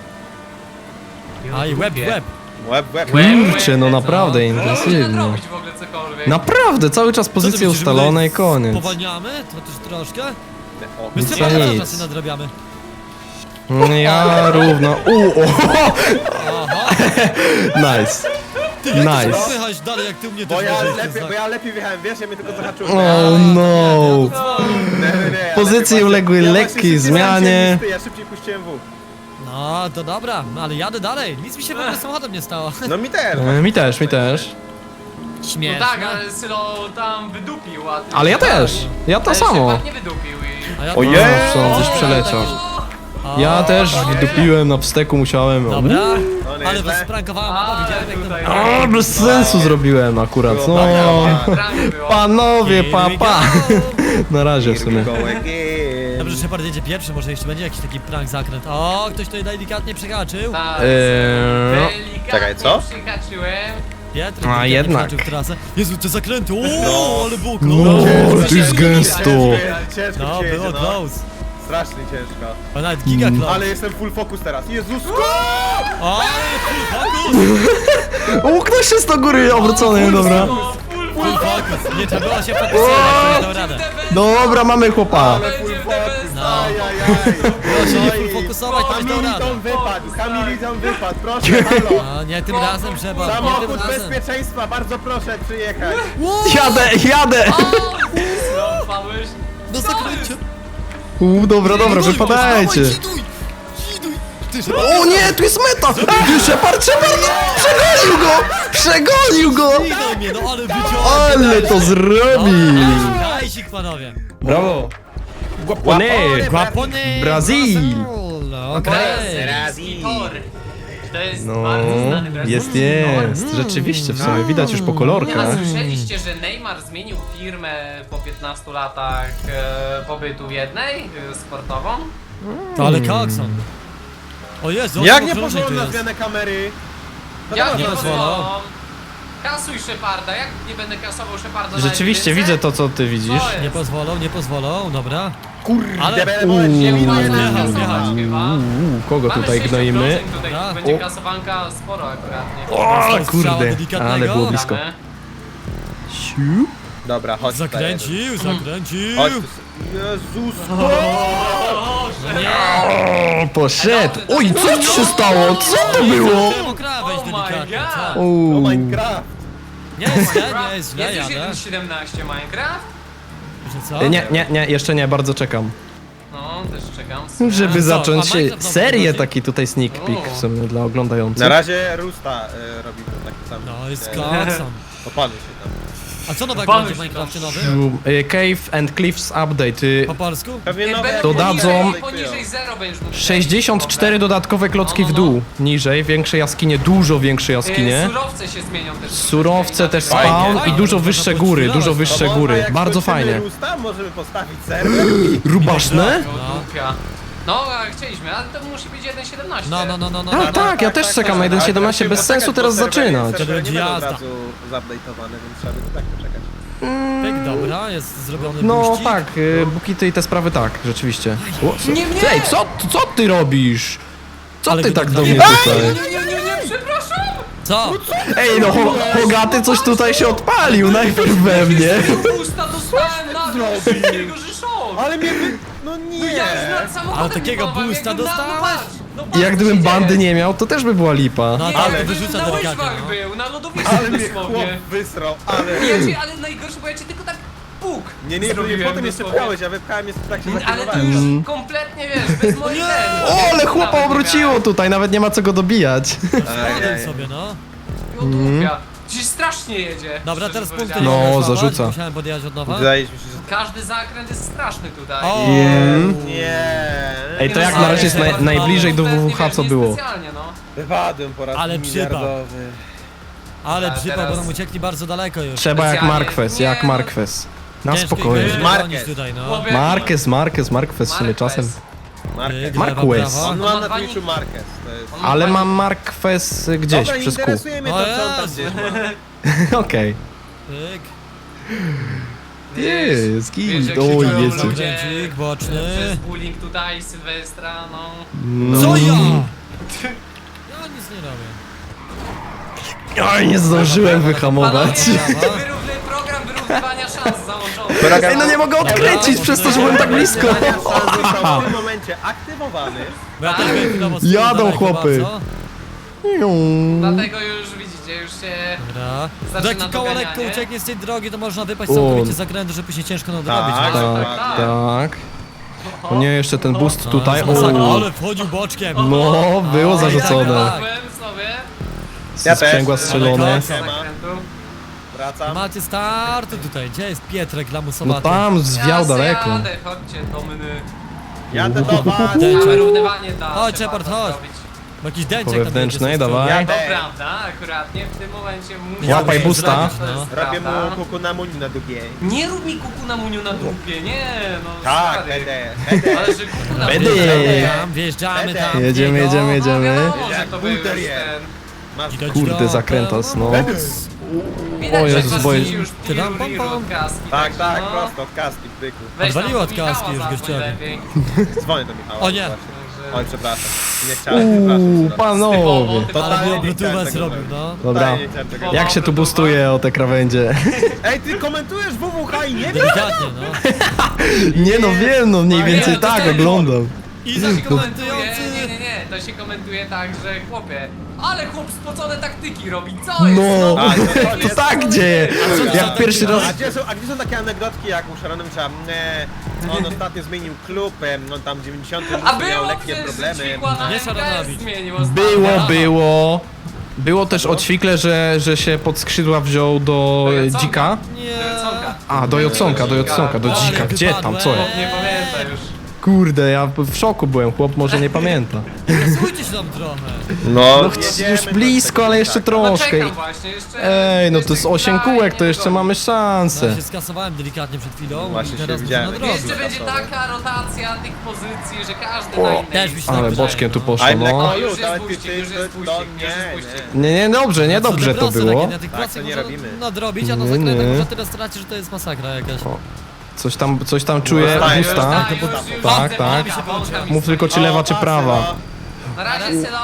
[SPEAKER 3] A i web, web.
[SPEAKER 1] Łeb, łeb.
[SPEAKER 4] Łeb.
[SPEAKER 2] Kurczę, no naprawdę
[SPEAKER 4] Można
[SPEAKER 2] intensywnie.
[SPEAKER 4] zrobić w ogóle cokolwiek.
[SPEAKER 2] Naprawdę, cały czas
[SPEAKER 3] Co ty
[SPEAKER 2] pozycje
[SPEAKER 3] myślisz, że my
[SPEAKER 2] ustalone i
[SPEAKER 3] tutaj
[SPEAKER 2] koniec.
[SPEAKER 3] Spowalniamy? To też troszkę?
[SPEAKER 1] O,
[SPEAKER 3] My
[SPEAKER 2] Nic
[SPEAKER 3] z
[SPEAKER 2] za
[SPEAKER 3] tym
[SPEAKER 2] nic.
[SPEAKER 3] czasy nadrabiamy.
[SPEAKER 2] Ja równo. U, o,
[SPEAKER 3] Aha.
[SPEAKER 2] nice.
[SPEAKER 3] Ty, jak
[SPEAKER 2] Nice.
[SPEAKER 3] nice. Wyjechać dalej, jak ty u mnie
[SPEAKER 1] Bo
[SPEAKER 3] też
[SPEAKER 1] ja
[SPEAKER 3] możesz,
[SPEAKER 1] lepiej,
[SPEAKER 3] to
[SPEAKER 1] bo ja lepiej wjechałem, wiesz, ja mnie tylko zahaczyłem.
[SPEAKER 2] Oh no.
[SPEAKER 1] Nie, nie, nie, ja
[SPEAKER 2] Pozycje
[SPEAKER 1] lepiej
[SPEAKER 2] uległy
[SPEAKER 1] właśnie- ja
[SPEAKER 2] lekkiej
[SPEAKER 1] właśnie szybciej
[SPEAKER 2] zmianie.
[SPEAKER 1] stałem, Ja szybciej puściłem W.
[SPEAKER 3] No, to dobra, no ale jadę dalej. Nic mi się w ogóle z samochodem nie stało.
[SPEAKER 1] No mi też.
[SPEAKER 2] E, Mi też, mi też.
[SPEAKER 4] No
[SPEAKER 3] Śmieszne.
[SPEAKER 4] tak, ale Sylo tam wydupił, a ty...
[SPEAKER 2] Ale ja też. Ja to
[SPEAKER 4] Ale
[SPEAKER 2] samo.
[SPEAKER 4] Shepard nie wydupił i...
[SPEAKER 3] A ja
[SPEAKER 1] Ojej!
[SPEAKER 2] No, coś przeleciał.
[SPEAKER 3] O,
[SPEAKER 2] Ja też
[SPEAKER 3] tak.
[SPEAKER 2] wdupiłem na wsteku, musiałem.
[SPEAKER 3] Dobra,
[SPEAKER 1] No
[SPEAKER 3] ale
[SPEAKER 1] nieźle.
[SPEAKER 3] was sprankowałem, mama,
[SPEAKER 4] Ale
[SPEAKER 3] widziałem jak
[SPEAKER 4] tutaj...
[SPEAKER 3] tam...
[SPEAKER 2] O, bez sensu zrobiłem akurat. No.
[SPEAKER 4] Prawie było.
[SPEAKER 2] Panowie,
[SPEAKER 3] Here we
[SPEAKER 2] papa.
[SPEAKER 3] go.
[SPEAKER 2] Na razie w sumie.
[SPEAKER 1] Go again.
[SPEAKER 3] Dobrze, że Shepard jedzie pierwszy, może jeszcze będzie jakiś taki prank zakręt. O, ktoś tutaj delikatnie przehaczył.
[SPEAKER 4] Tak,
[SPEAKER 2] Eee,
[SPEAKER 4] delikatnie
[SPEAKER 1] Czekaj, co?
[SPEAKER 4] przyhaczyłem.
[SPEAKER 3] Pietr,
[SPEAKER 2] A,
[SPEAKER 3] delikatnie
[SPEAKER 2] jednak.
[SPEAKER 3] przehaczył w trasę. Jezu, te zakręty, o,
[SPEAKER 1] No.
[SPEAKER 3] ale bóg,
[SPEAKER 2] No,
[SPEAKER 3] no.
[SPEAKER 2] ale tu jest gęsto.
[SPEAKER 1] Ciężko, ciężko
[SPEAKER 3] No,
[SPEAKER 1] ci się
[SPEAKER 3] było
[SPEAKER 1] jedzie, no.
[SPEAKER 3] close.
[SPEAKER 1] Strasznie ciężko.
[SPEAKER 3] A nawet giga close.
[SPEAKER 1] Ale jestem full focus teraz. Jezusko!
[SPEAKER 3] O, full focus!
[SPEAKER 2] O, ktoś jest do góry obrócony, dobra.
[SPEAKER 4] No, full,
[SPEAKER 3] Full focus. Nie trzeba było się fokusować, ktoś dał radę.
[SPEAKER 2] Dobra, mamy chłopa.
[SPEAKER 1] Ale full
[SPEAKER 4] Będzie
[SPEAKER 1] focus.
[SPEAKER 3] No.
[SPEAKER 1] Ajajaj.
[SPEAKER 3] Proszę nie
[SPEAKER 1] Oj.
[SPEAKER 3] full fokusować, ktoś dał radę.
[SPEAKER 1] Hamilton wypadł, Hamilton wypadł, proszę, halo.
[SPEAKER 3] No, nie tym razem trzeba, nie tym
[SPEAKER 1] Samochód
[SPEAKER 3] razem.
[SPEAKER 1] bezpieczeństwa, bardzo proszę przyjechać.
[SPEAKER 2] Jadę, jadę.
[SPEAKER 4] Sylo, wpadłeś.
[SPEAKER 3] Do zakręcia.
[SPEAKER 2] U, dobra, dobra, wypadajcie.
[SPEAKER 3] Dziduj, dziduj. Ty, Shepard,
[SPEAKER 2] O nie, tu jest meta. Ty, Shepard, Shepard, przegonił go. Przegonił go.
[SPEAKER 3] Zginął mnie, no ale wyciąłem.
[SPEAKER 2] Ale to zrobił.
[SPEAKER 3] Dajsik, panowie.
[SPEAKER 2] Brawo. Guapone.
[SPEAKER 3] Guapone.
[SPEAKER 2] Brazil.
[SPEAKER 3] No,
[SPEAKER 4] To
[SPEAKER 3] okej.
[SPEAKER 4] jest Brazil. To jest
[SPEAKER 2] No,
[SPEAKER 4] bardzo znany Brazil.
[SPEAKER 2] jest, jest. Rzeczywiście, w sumie widać już po
[SPEAKER 4] Nie, a
[SPEAKER 2] kolorkach.
[SPEAKER 4] słyszeliście, że Neymar zmienił firmę po piętnastu latach e, pobytu jednej e, sportową?
[SPEAKER 3] To ale kakson. O Jezu,
[SPEAKER 1] Jak
[SPEAKER 3] on
[SPEAKER 1] nie
[SPEAKER 3] okrążnik
[SPEAKER 1] pozwolą
[SPEAKER 3] tu
[SPEAKER 1] na
[SPEAKER 3] jest.
[SPEAKER 1] zmianę kamery? No
[SPEAKER 4] Jak
[SPEAKER 1] dobra,
[SPEAKER 4] nie
[SPEAKER 3] nie
[SPEAKER 4] pozwolą?
[SPEAKER 3] pozwolą.
[SPEAKER 4] Kasuj Sheparda, jak nie będę kasował Sheparda na
[SPEAKER 2] Rzeczywiście,
[SPEAKER 4] jedynce?
[SPEAKER 2] widzę to, co ty widzisz.
[SPEAKER 4] Co jest?
[SPEAKER 3] Nie pozwolą, nie pozwolą, dobra.
[SPEAKER 1] Kurde,
[SPEAKER 3] Ale-
[SPEAKER 1] będę boleć, nie
[SPEAKER 2] Uuu.
[SPEAKER 1] widzę.
[SPEAKER 3] Wjechał,
[SPEAKER 4] Kasować
[SPEAKER 3] wjechał.
[SPEAKER 4] chyba.
[SPEAKER 2] Uuu, kogo
[SPEAKER 4] Mamy
[SPEAKER 2] tutaj
[SPEAKER 4] sześć
[SPEAKER 2] gnoimy?
[SPEAKER 4] okrążeń tutaj,
[SPEAKER 3] Dobra.
[SPEAKER 4] będzie
[SPEAKER 2] O.
[SPEAKER 4] kasowanka sporo akuratnie.
[SPEAKER 2] O,
[SPEAKER 3] Strzała
[SPEAKER 2] kurde,
[SPEAKER 3] delikatnego.
[SPEAKER 2] ale było blisko.
[SPEAKER 4] Damy.
[SPEAKER 2] Siu.
[SPEAKER 1] Dobra, chodź tutaj.
[SPEAKER 3] Zakręcił, zakręcił.
[SPEAKER 1] Chodź tu. Jezusko!
[SPEAKER 2] O, poszedł. Oj, co ci się stało? Co to było?
[SPEAKER 3] Chciałem okrawęź
[SPEAKER 4] Oh my
[SPEAKER 3] delikatnie,
[SPEAKER 4] God.
[SPEAKER 3] co?
[SPEAKER 2] Uuu.
[SPEAKER 1] Oh Minecraft!
[SPEAKER 3] Nie jest źle, nie jest źle,
[SPEAKER 4] Jest już
[SPEAKER 3] jadę.
[SPEAKER 4] jeden siedemnaście Minecraft?
[SPEAKER 3] Że co?
[SPEAKER 2] Nie, nie, nie, jeszcze nie, bardzo czekam.
[SPEAKER 4] No, też czekam. w sumie.
[SPEAKER 2] Żeby
[SPEAKER 3] co,
[SPEAKER 2] zacząć
[SPEAKER 3] a Minecraft znowu
[SPEAKER 2] serię,
[SPEAKER 3] wychodzi?
[SPEAKER 2] taki tutaj sneak peek w sumie dla oglądających.
[SPEAKER 1] Na razie Rusta y, robimy taki sam.
[SPEAKER 3] No, jest
[SPEAKER 1] e,
[SPEAKER 3] klakson.
[SPEAKER 1] Opanuj się tam.
[SPEAKER 3] A co nowego
[SPEAKER 4] Banuj
[SPEAKER 3] będzie w
[SPEAKER 4] się
[SPEAKER 3] Minecrafcie
[SPEAKER 4] tam.
[SPEAKER 3] nowym?
[SPEAKER 2] Y, Cave and Cliffs Update. y,
[SPEAKER 3] Po polsku?
[SPEAKER 1] Pewnie
[SPEAKER 4] Nie,
[SPEAKER 1] nowe
[SPEAKER 4] będą
[SPEAKER 2] dodadzą-
[SPEAKER 4] poniżej, poniżej zero będziesz mógł
[SPEAKER 2] sześćdziesiąt cztery
[SPEAKER 4] wejść.
[SPEAKER 2] dodatkowe klocki
[SPEAKER 4] No,
[SPEAKER 2] w
[SPEAKER 4] no, no.
[SPEAKER 2] dół, niżej, większe jaskinie, dużo większe
[SPEAKER 4] Y,
[SPEAKER 2] jaskinie.
[SPEAKER 4] Surowce się zmienią też.
[SPEAKER 2] Surowce też
[SPEAKER 1] Fajnie,
[SPEAKER 2] spawn i
[SPEAKER 1] fajnie.
[SPEAKER 2] dużo
[SPEAKER 3] Można
[SPEAKER 2] wyższe
[SPEAKER 3] było
[SPEAKER 2] góry,
[SPEAKER 3] chwilować,
[SPEAKER 2] dużo
[SPEAKER 3] no.
[SPEAKER 2] wyższe
[SPEAKER 1] To
[SPEAKER 2] góry,
[SPEAKER 1] można, jak
[SPEAKER 2] bardzo
[SPEAKER 1] skończymy
[SPEAKER 2] fajnie.
[SPEAKER 1] Rusta, możemy postawić serwer.
[SPEAKER 2] Rubaszne?
[SPEAKER 4] No, dupia. No, a chcieliśmy, ale to musi być jeden siedemnaście.
[SPEAKER 3] No, no, no, no, no.
[SPEAKER 2] Tak,
[SPEAKER 3] no.
[SPEAKER 2] tak, ja też czekam na jeden siedemnaście, bez sensu teraz zaczynać.
[SPEAKER 3] To będzie
[SPEAKER 1] nie będą
[SPEAKER 3] jazda.
[SPEAKER 1] od razu zupdate'owane, więc trzeba by tak poczekać.
[SPEAKER 3] Pyk, dobra, jest zrobiony
[SPEAKER 2] No
[SPEAKER 3] buścik.
[SPEAKER 2] tak, y, bukity i te sprawy tak, rzeczywiście. O, co?
[SPEAKER 4] Nie mnie!
[SPEAKER 2] Ej, co, co ty robisz? Co
[SPEAKER 3] Ale
[SPEAKER 2] ty
[SPEAKER 3] go
[SPEAKER 2] tak
[SPEAKER 3] tak
[SPEAKER 2] do mnie
[SPEAKER 3] zabiję.
[SPEAKER 2] tutaj?
[SPEAKER 4] Nie, nie, nie, nie, przepraszam!
[SPEAKER 3] Co?
[SPEAKER 2] Ej, no Ho- Hogaty coś tutaj się odpalił, najpierw we mnie.
[SPEAKER 4] Usta dostałem na dół, takiego szok!
[SPEAKER 1] Ale mnie wy... No nie!
[SPEAKER 4] No ja już nad samochodem
[SPEAKER 3] Ale takiego
[SPEAKER 4] nie planowałem,
[SPEAKER 3] boosta
[SPEAKER 4] jak bym na-
[SPEAKER 3] dostałeś?
[SPEAKER 4] no patrz, no patrz,
[SPEAKER 2] I jak
[SPEAKER 4] co
[SPEAKER 2] gdybym
[SPEAKER 4] się
[SPEAKER 2] bandy
[SPEAKER 4] dzieje.
[SPEAKER 2] nie miał, to też by była lipa.
[SPEAKER 3] No
[SPEAKER 4] Nie,
[SPEAKER 3] tak,
[SPEAKER 4] ale
[SPEAKER 3] wyrzuca
[SPEAKER 4] na
[SPEAKER 3] delikatnie,
[SPEAKER 4] łyżwach
[SPEAKER 3] no.
[SPEAKER 4] był, na lodowisku
[SPEAKER 1] Ale mnie chłop
[SPEAKER 4] dosłownie.
[SPEAKER 1] wysrał, ale...
[SPEAKER 4] Ja cię, ale najgorsze, bo ja cię tylko tak puk
[SPEAKER 1] Nie, nie, bo mnie
[SPEAKER 4] zrobiłem
[SPEAKER 1] potem jeszcze
[SPEAKER 4] dosłownie.
[SPEAKER 1] pchałeś, ja wypchałem jeszcze w trakcie
[SPEAKER 4] Ale to
[SPEAKER 1] zakrętowałem.
[SPEAKER 4] już kompletnie, wiesz, bez mojej ten.
[SPEAKER 2] O, ale chłopa obróciło tutaj, nawet nie ma co go dobijać.
[SPEAKER 3] Spadłem sobie, no.
[SPEAKER 4] Odłupia. Dziś strasznie jedzie.
[SPEAKER 3] Dobra,
[SPEAKER 4] szczerze
[SPEAKER 3] teraz punkty nie
[SPEAKER 4] powiedziawszy.
[SPEAKER 2] No,
[SPEAKER 3] mogę złapać,
[SPEAKER 2] zarzuca.
[SPEAKER 3] musiałem podjechać od nowa.
[SPEAKER 1] Wydaje mi się, że...
[SPEAKER 4] Każdy zakręt jest straszny tutaj.
[SPEAKER 3] O!
[SPEAKER 1] Nie.
[SPEAKER 2] Ej, to
[SPEAKER 4] Nie
[SPEAKER 2] jak
[SPEAKER 4] no,
[SPEAKER 2] na razie jest
[SPEAKER 4] ale-
[SPEAKER 2] naj, najbliżej do
[SPEAKER 4] kompletnie,
[SPEAKER 2] W W H
[SPEAKER 4] wiesz,
[SPEAKER 2] co było.
[SPEAKER 4] niespecjalnie, no.
[SPEAKER 1] Wypadłem po raz
[SPEAKER 3] Ale przypał.
[SPEAKER 1] miliardowy.
[SPEAKER 3] Ale
[SPEAKER 4] A
[SPEAKER 3] przypał,
[SPEAKER 4] teraz-
[SPEAKER 3] bo nam uciekli bardzo daleko już.
[SPEAKER 2] Trzeba jak
[SPEAKER 4] Specjalnie.
[SPEAKER 2] Marquez,
[SPEAKER 4] Nie,
[SPEAKER 2] jak
[SPEAKER 4] no.
[SPEAKER 2] Marquez. Na
[SPEAKER 3] Ciężko ich
[SPEAKER 2] spokojnie.
[SPEAKER 3] będzie
[SPEAKER 1] Marquez.
[SPEAKER 3] dogonić tutaj, no.
[SPEAKER 4] Chłopie,
[SPEAKER 2] Marquez, Marquez, Marquez w sumie
[SPEAKER 4] Marquez.
[SPEAKER 2] czasem.
[SPEAKER 1] Marquez.
[SPEAKER 3] Pyk,
[SPEAKER 2] Marquez.
[SPEAKER 3] lewa, prawa.
[SPEAKER 1] On
[SPEAKER 4] On
[SPEAKER 1] ma
[SPEAKER 4] ma
[SPEAKER 1] na
[SPEAKER 4] dwa
[SPEAKER 1] Twitchu
[SPEAKER 4] nick-
[SPEAKER 1] Marquez. To jest...
[SPEAKER 4] On ma
[SPEAKER 2] Ale
[SPEAKER 4] dwa
[SPEAKER 2] mam Marquez gdzieś
[SPEAKER 1] Dobra, nie
[SPEAKER 2] przez kół.
[SPEAKER 1] interesuje mnie to,
[SPEAKER 3] O
[SPEAKER 1] co on tam
[SPEAKER 3] Jezu.
[SPEAKER 1] gdzieś ma.
[SPEAKER 2] Okej.
[SPEAKER 3] Pyk.
[SPEAKER 2] Jest,
[SPEAKER 4] Wiesz,
[SPEAKER 2] git.
[SPEAKER 4] jak
[SPEAKER 2] Oj,
[SPEAKER 4] się czują
[SPEAKER 2] jest.
[SPEAKER 4] ludzie
[SPEAKER 3] Kręcik boczny.
[SPEAKER 4] Przez bullying tutaj, Sylwestra, no.
[SPEAKER 2] No.
[SPEAKER 3] Co ja? Ja nic nie robię.
[SPEAKER 2] Oj, nie zdążyłem wyhamować.
[SPEAKER 4] Panowie, wyrówny program wyrównywania szans załączony.
[SPEAKER 2] Ej, no nie mogę odkręcić przez to, że byłem tak blisko.
[SPEAKER 1] Pytania szans został w tym momencie aktywowany.
[SPEAKER 3] Bo ja też byłem chwilowo z tyłu
[SPEAKER 2] Jadą
[SPEAKER 3] daleko
[SPEAKER 2] chłopy.
[SPEAKER 3] bardzo.
[SPEAKER 4] Dlatego już widzicie, już się...
[SPEAKER 3] Dobra.
[SPEAKER 4] Zaczyna
[SPEAKER 3] Jak koło lekko
[SPEAKER 4] doganianie.
[SPEAKER 3] ucieknie z tej drogi, to można wypaść
[SPEAKER 2] O.
[SPEAKER 3] całkowicie z zakrętu, żeby się ciężko nadrobić.
[SPEAKER 1] Tak,
[SPEAKER 3] no.
[SPEAKER 2] Tak,
[SPEAKER 1] tak.
[SPEAKER 2] tak. O nie, jeszcze ten boost
[SPEAKER 3] No,
[SPEAKER 2] tutaj.
[SPEAKER 3] jest masakra,
[SPEAKER 2] O,
[SPEAKER 3] ale wchodził boczkiem.
[SPEAKER 2] no, było
[SPEAKER 3] O,
[SPEAKER 2] zarzucone.
[SPEAKER 3] tak.
[SPEAKER 4] Byłem sobie.
[SPEAKER 1] Ja też.
[SPEAKER 2] Sprzęgła strzelone.
[SPEAKER 4] z zakrętu.
[SPEAKER 1] Wracam.
[SPEAKER 3] Macie start tutaj. Gdzie jest Pietrek
[SPEAKER 2] No
[SPEAKER 3] lamusowaty?
[SPEAKER 2] tam zwiał
[SPEAKER 4] Ja
[SPEAKER 2] daleko.
[SPEAKER 4] Jadę, chodźcie do mnie.
[SPEAKER 1] Jadę do was.
[SPEAKER 3] Ten-
[SPEAKER 4] A wyrównywanie da
[SPEAKER 3] Chodź,
[SPEAKER 4] się
[SPEAKER 3] Shepard,
[SPEAKER 4] bardzo
[SPEAKER 3] chodź.
[SPEAKER 4] zrobić.
[SPEAKER 3] Bo jakiś
[SPEAKER 2] Po
[SPEAKER 3] dęczek tam
[SPEAKER 2] wewnętrznej,
[SPEAKER 3] jedzie z tej
[SPEAKER 2] dawaj.
[SPEAKER 1] Ja
[SPEAKER 4] To
[SPEAKER 1] też.
[SPEAKER 4] prawda, akuratnie w tym momencie muszę...
[SPEAKER 2] Łapaj
[SPEAKER 3] Zrobić,
[SPEAKER 2] boosta.
[SPEAKER 3] zrobić,
[SPEAKER 4] To
[SPEAKER 3] no.
[SPEAKER 4] jest
[SPEAKER 1] Robię
[SPEAKER 4] prawda.
[SPEAKER 1] mu kuku na muni na długiej.
[SPEAKER 4] Nie rób mi kuku na muniu na dupie, nie no
[SPEAKER 1] Tak,
[SPEAKER 4] stary.
[SPEAKER 1] będę. Będę.
[SPEAKER 4] Ale że kuku na
[SPEAKER 2] Będę.
[SPEAKER 4] muniu
[SPEAKER 3] Wjeżdżamy tam, wjeżdżamy
[SPEAKER 1] Będę.
[SPEAKER 3] tam.
[SPEAKER 2] Jedziemy,
[SPEAKER 3] Diego.
[SPEAKER 2] jedziemy, jedziemy.
[SPEAKER 4] No wiadomo, że
[SPEAKER 1] Jak
[SPEAKER 4] to był już
[SPEAKER 1] bulter jest.
[SPEAKER 4] ten...
[SPEAKER 1] Masz
[SPEAKER 3] Widać
[SPEAKER 2] Kurde,
[SPEAKER 3] do-
[SPEAKER 2] zakrętas, no.
[SPEAKER 4] Widać,
[SPEAKER 2] O
[SPEAKER 4] że
[SPEAKER 2] Jezus,
[SPEAKER 4] kaski
[SPEAKER 2] boję-
[SPEAKER 4] już
[SPEAKER 3] Ty tam,
[SPEAKER 4] piru,
[SPEAKER 3] pam,
[SPEAKER 4] piru
[SPEAKER 3] pam.
[SPEAKER 4] od kaski.
[SPEAKER 1] Tak,
[SPEAKER 4] także
[SPEAKER 1] tak,
[SPEAKER 4] no.
[SPEAKER 1] prosto, od kaski, byku.
[SPEAKER 4] Weź tam
[SPEAKER 3] Odwaliło
[SPEAKER 4] do
[SPEAKER 3] od kaski
[SPEAKER 4] Michała
[SPEAKER 3] już
[SPEAKER 4] zadzwoń
[SPEAKER 3] gościowi.
[SPEAKER 4] lepiej.
[SPEAKER 1] Dzwonię do Michała.
[SPEAKER 3] O nie.
[SPEAKER 1] właśnie.
[SPEAKER 4] Także-
[SPEAKER 1] Oj, przepraszam. Nie chciałem,
[SPEAKER 2] Uuu,
[SPEAKER 1] przepraszam.
[SPEAKER 2] panowie.
[SPEAKER 4] Typowo,
[SPEAKER 3] Ale
[SPEAKER 1] Totalnie
[SPEAKER 3] by
[SPEAKER 1] nie chciałem
[SPEAKER 3] obrotówę
[SPEAKER 1] tego
[SPEAKER 3] zrobił,
[SPEAKER 1] zrobić.
[SPEAKER 3] no.
[SPEAKER 2] Dobra.
[SPEAKER 1] Totalnie nie chciałem tego
[SPEAKER 2] Jak się tu boostuje o te krawędzie?
[SPEAKER 1] Ej, ty komentujesz W W H i nie wiesz?
[SPEAKER 3] Delikatnie, no.
[SPEAKER 2] Nie no wiem, no mniej
[SPEAKER 1] Nie,
[SPEAKER 2] więcej
[SPEAKER 4] to
[SPEAKER 2] tak
[SPEAKER 4] ten-
[SPEAKER 2] oglądam.
[SPEAKER 3] I
[SPEAKER 4] To się komentuje,
[SPEAKER 3] komentujący.
[SPEAKER 4] nie, nie, nie, to się komentuje tak, że chłopie, ale chłop spocone taktyki robi, co jest?
[SPEAKER 2] No,
[SPEAKER 1] A, to- to
[SPEAKER 2] to
[SPEAKER 1] jest-
[SPEAKER 2] tak dzieje. Jak pierwszy raz...
[SPEAKER 1] A gdzie, są, a gdzie są takie anegdotki jak u Sharonowicza? E, on ostatnio zmienił klub, em, on tam w dziewięćdziesiątym
[SPEAKER 4] A
[SPEAKER 1] miał
[SPEAKER 4] było
[SPEAKER 1] lekkie
[SPEAKER 4] przecież, że
[SPEAKER 1] problemy.
[SPEAKER 4] ćwikła na
[SPEAKER 3] Nie
[SPEAKER 4] M K S
[SPEAKER 3] Szaranowicz.
[SPEAKER 4] zmienił ostatnio.
[SPEAKER 2] Było, było. Było też o ćwikle, że, że się pod skrzydła wziął do
[SPEAKER 4] Do
[SPEAKER 2] e,
[SPEAKER 4] Joconka.
[SPEAKER 2] dzika.
[SPEAKER 3] Nie.
[SPEAKER 4] Do Joconka.
[SPEAKER 2] A, do Joconka, do Joconka, do
[SPEAKER 3] Ale
[SPEAKER 2] dzika. Gdzie tam, co?
[SPEAKER 3] wypadłem.
[SPEAKER 4] Nie pamięta już.
[SPEAKER 2] Kurde, ja w szoku byłem, chłop może nie pamięta.
[SPEAKER 3] Słuchajcie się tam trochę.
[SPEAKER 1] No,
[SPEAKER 2] No ch- już blisko, ale jeszcze
[SPEAKER 4] No
[SPEAKER 2] troszkę.
[SPEAKER 4] czekam właśnie, jeszcze...
[SPEAKER 2] Ej, no to z
[SPEAKER 4] jeszcze
[SPEAKER 2] osiem
[SPEAKER 4] daj,
[SPEAKER 2] kółek,
[SPEAKER 4] nie
[SPEAKER 2] to jeszcze
[SPEAKER 4] dogonię.
[SPEAKER 2] mamy szansę.
[SPEAKER 3] Ja się skasowałem delikatnie przed chwilą
[SPEAKER 1] Właśnie
[SPEAKER 3] i
[SPEAKER 1] się
[SPEAKER 3] teraz muszę
[SPEAKER 1] widziałem.
[SPEAKER 3] nadrobić.
[SPEAKER 4] Jeszcze będzie
[SPEAKER 1] Losowe.
[SPEAKER 4] taka rotacja tych pozycji, że każdy
[SPEAKER 2] O,
[SPEAKER 4] na innej...
[SPEAKER 3] też mi się
[SPEAKER 2] Ale
[SPEAKER 3] tak
[SPEAKER 2] boczkiem tu
[SPEAKER 3] wydaje, no.
[SPEAKER 2] poszło,
[SPEAKER 1] I'm like,
[SPEAKER 2] no.
[SPEAKER 1] o,
[SPEAKER 4] Już
[SPEAKER 1] już,
[SPEAKER 4] jest
[SPEAKER 1] ale ty,
[SPEAKER 4] buścik,
[SPEAKER 1] ty,
[SPEAKER 4] już jest
[SPEAKER 1] to,
[SPEAKER 4] buścik,
[SPEAKER 1] to
[SPEAKER 4] już jest
[SPEAKER 1] nie,
[SPEAKER 4] buścik.
[SPEAKER 1] nie.
[SPEAKER 2] Nie, nie, dobrze, nie
[SPEAKER 3] Co te
[SPEAKER 2] dobrze to
[SPEAKER 3] prosy
[SPEAKER 2] było.
[SPEAKER 3] takie, na tych
[SPEAKER 1] Tak,
[SPEAKER 3] prostych
[SPEAKER 1] to nie
[SPEAKER 3] można
[SPEAKER 1] robimy.
[SPEAKER 3] nadrobić, a na
[SPEAKER 2] Nie,
[SPEAKER 3] zakrętach
[SPEAKER 2] nie.
[SPEAKER 3] można tyle stracić, że to jest masakra jakaś.
[SPEAKER 2] O, Coś tam, coś tam czuję,
[SPEAKER 1] Zostaje,
[SPEAKER 2] gusta.
[SPEAKER 1] zostaje.
[SPEAKER 4] Już, już, już
[SPEAKER 2] Tak,
[SPEAKER 4] widzę,
[SPEAKER 2] tak.
[SPEAKER 4] wącha, wącha mi
[SPEAKER 2] Mów
[SPEAKER 4] stoi.
[SPEAKER 2] tylko czy lewa, czy
[SPEAKER 1] O,
[SPEAKER 2] prawa.
[SPEAKER 1] pasy,
[SPEAKER 4] Na razie Sylo.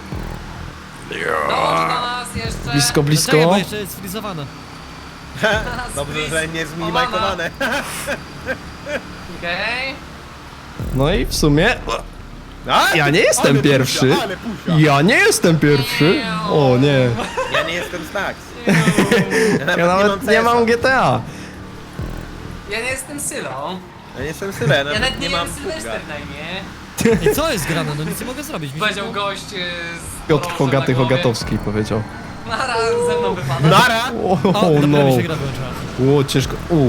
[SPEAKER 4] Dołącz do nas jeszcze.
[SPEAKER 2] Blisko,
[SPEAKER 3] No czekaj,
[SPEAKER 2] blisko.
[SPEAKER 3] bo jeszcze jest frizowane.
[SPEAKER 1] no. Dobrze, że nie zminimajkowane.
[SPEAKER 4] Okej.
[SPEAKER 2] No i w sumie
[SPEAKER 1] A?
[SPEAKER 2] ja nie jestem
[SPEAKER 1] Ale
[SPEAKER 2] pierwszy.
[SPEAKER 1] pusia, ale pusia.
[SPEAKER 2] Ja nie jestem pierwszy. O nie.
[SPEAKER 1] Ja nie jestem Stax.
[SPEAKER 2] Ja nawet nie mam G T A.
[SPEAKER 4] Ja nie jestem Sylą.
[SPEAKER 1] Ja nie jestem Syren,
[SPEAKER 4] Ja nawet nie,
[SPEAKER 1] nie mam
[SPEAKER 4] wiem Sylwester
[SPEAKER 1] pługa.
[SPEAKER 4] na imię.
[SPEAKER 3] I co jest grane? No nic nie mogę zrobić. Mi się
[SPEAKER 4] Powiedział
[SPEAKER 3] to-
[SPEAKER 4] gość e, z
[SPEAKER 2] Piotr
[SPEAKER 4] chorążem
[SPEAKER 2] Hogaty
[SPEAKER 4] na głowie.
[SPEAKER 2] Hogatowski powiedział.
[SPEAKER 4] Nara, ze mną wypada.
[SPEAKER 1] Nara!
[SPEAKER 2] O,
[SPEAKER 3] O,
[SPEAKER 2] oh,
[SPEAKER 3] dopiero
[SPEAKER 2] no.
[SPEAKER 3] mi się gra wyłączyła.
[SPEAKER 2] O, ciężko. U.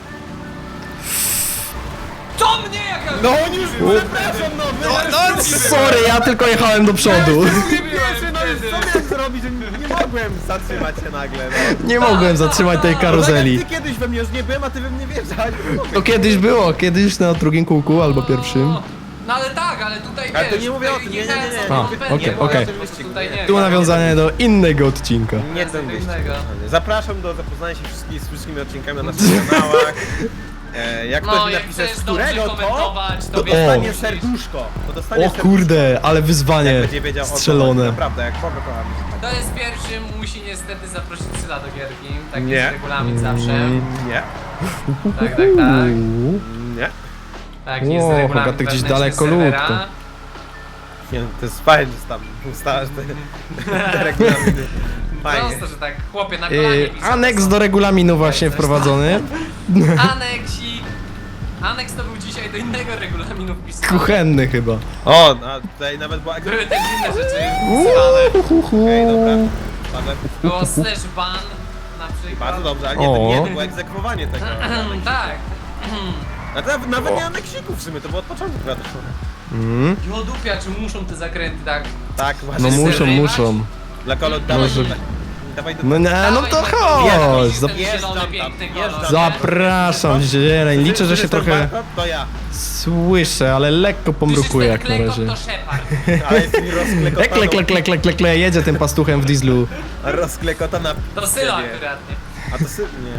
[SPEAKER 4] To mnie jaka...
[SPEAKER 1] No on już, przepraszam, no wy...
[SPEAKER 2] No, sorry, ja tylko jechałem do przodu.
[SPEAKER 1] Pierwszy, no już co miałem zrobić, że nie nie mogłem zatrzymać się nagle, no.
[SPEAKER 2] Nie mogłem zatrzymać tej karuzeli.
[SPEAKER 1] Ty kiedyś we mnie już nie byłem, a ty we mnie wjeżdżałeś. Nie mogę.
[SPEAKER 2] To kiedyś było, kiedyś na drugim kółku albo pierwszym.
[SPEAKER 4] No ale tak, ale tutaj
[SPEAKER 1] Ale to
[SPEAKER 4] wiesz,
[SPEAKER 1] nie mówię o
[SPEAKER 4] tutaj
[SPEAKER 1] tym, nie, nie,
[SPEAKER 4] jechałem
[SPEAKER 1] nie, nie.
[SPEAKER 4] sobie
[SPEAKER 2] A,
[SPEAKER 4] wypędnie,
[SPEAKER 2] okej,
[SPEAKER 4] bo ja
[SPEAKER 2] okej.
[SPEAKER 4] po prostu tutaj nie
[SPEAKER 2] Tu
[SPEAKER 4] wiem.
[SPEAKER 2] nawiązanie do innego odcinka.
[SPEAKER 1] Nie ten
[SPEAKER 4] Tego
[SPEAKER 1] wyścig.
[SPEAKER 4] innego.
[SPEAKER 1] Zapraszam do zapoznania się wszystkich, z wszystkimi odcinkami na naszych kanałach. E, jak
[SPEAKER 4] No,
[SPEAKER 1] ktoś mi
[SPEAKER 4] jak
[SPEAKER 1] napisze,
[SPEAKER 4] chcesz
[SPEAKER 1] z
[SPEAKER 4] dobrze
[SPEAKER 1] którego to,
[SPEAKER 4] komentować, to
[SPEAKER 1] to
[SPEAKER 4] wiesz,
[SPEAKER 1] dostanie
[SPEAKER 2] O.
[SPEAKER 1] serduszko. To dostanie
[SPEAKER 2] O kurde, ale
[SPEAKER 1] jak
[SPEAKER 2] wyzwanie
[SPEAKER 1] będzie wiedział o co chodzi.
[SPEAKER 2] strzelone.
[SPEAKER 1] Naprawdę, jak kogo kocham.
[SPEAKER 4] To jest pierwszy, musi niestety zaprosić Syla do gierki. Taki
[SPEAKER 1] Nie.
[SPEAKER 4] jest regulamin zawsze.
[SPEAKER 1] Nie,
[SPEAKER 4] Tak, tak, tak.
[SPEAKER 2] Uuu.
[SPEAKER 1] nie.
[SPEAKER 4] Tak jest
[SPEAKER 2] O,
[SPEAKER 4] regulamin
[SPEAKER 2] Hogaty gdzieś
[SPEAKER 4] wewnętrzny
[SPEAKER 2] daleko
[SPEAKER 4] serwera.
[SPEAKER 2] ludko.
[SPEAKER 1] Nie, no, to jest fajnie, że tam ustalasz te, te regulaminy. Fajnie.
[SPEAKER 4] Prosto, że tak, chłopie, na kolanie
[SPEAKER 2] Yy,
[SPEAKER 4] pisze,
[SPEAKER 2] aneks
[SPEAKER 4] to
[SPEAKER 2] do
[SPEAKER 4] są-
[SPEAKER 2] regulaminu właśnie wprowadzony.
[SPEAKER 4] Aneksik. Aneks to był dzisiaj do innego regulaminu wpisany.
[SPEAKER 2] Kuchenny chyba.
[SPEAKER 1] O, no, tutaj nawet była...
[SPEAKER 4] Były też inne rzeczy wpisane.
[SPEAKER 1] Okej, dobra. Padłem.
[SPEAKER 4] Było slash ban na przykład.
[SPEAKER 1] Bardzo dobrze, ale nie, to
[SPEAKER 2] O.
[SPEAKER 1] nie, to było egzekwowanie tego.
[SPEAKER 4] Tak.
[SPEAKER 1] A to nawet, nawet nie aneksików w sumie, to było od początku chyba też.
[SPEAKER 2] Mm.
[SPEAKER 4] Jodupia, czy muszą te zakręty tak?
[SPEAKER 1] Tak,
[SPEAKER 2] No
[SPEAKER 1] właśnie.
[SPEAKER 2] muszą,
[SPEAKER 4] zerwać?
[SPEAKER 2] muszą.
[SPEAKER 1] Dla kolo, dawaj,
[SPEAKER 2] Może-
[SPEAKER 1] dawaj, dawaj do...
[SPEAKER 2] No nie, no to
[SPEAKER 4] Dawaj,
[SPEAKER 2] chodź.
[SPEAKER 4] Jeżdżam,
[SPEAKER 2] Zap-
[SPEAKER 1] Jeżdżam
[SPEAKER 4] zielony,
[SPEAKER 1] tam,
[SPEAKER 4] piękny
[SPEAKER 1] jeżdżam.
[SPEAKER 4] kolor.
[SPEAKER 2] Zapraszam, zieleń. Liczę, że się
[SPEAKER 1] Słyszysz ten
[SPEAKER 2] trochę
[SPEAKER 1] warkot? To ja.
[SPEAKER 2] słyszę, ale lekko pomrukuję jak na razie.
[SPEAKER 4] To Shepard.
[SPEAKER 1] Ale jest mi rozklekotaną...
[SPEAKER 2] Kle, kle, kle, kle, kle, kle, jedzie tym pastuchem w dieslu.
[SPEAKER 1] Rozklekotana...
[SPEAKER 4] To Syla
[SPEAKER 1] ciebie.
[SPEAKER 4] akurat, nie?
[SPEAKER 1] A to sy... Nie.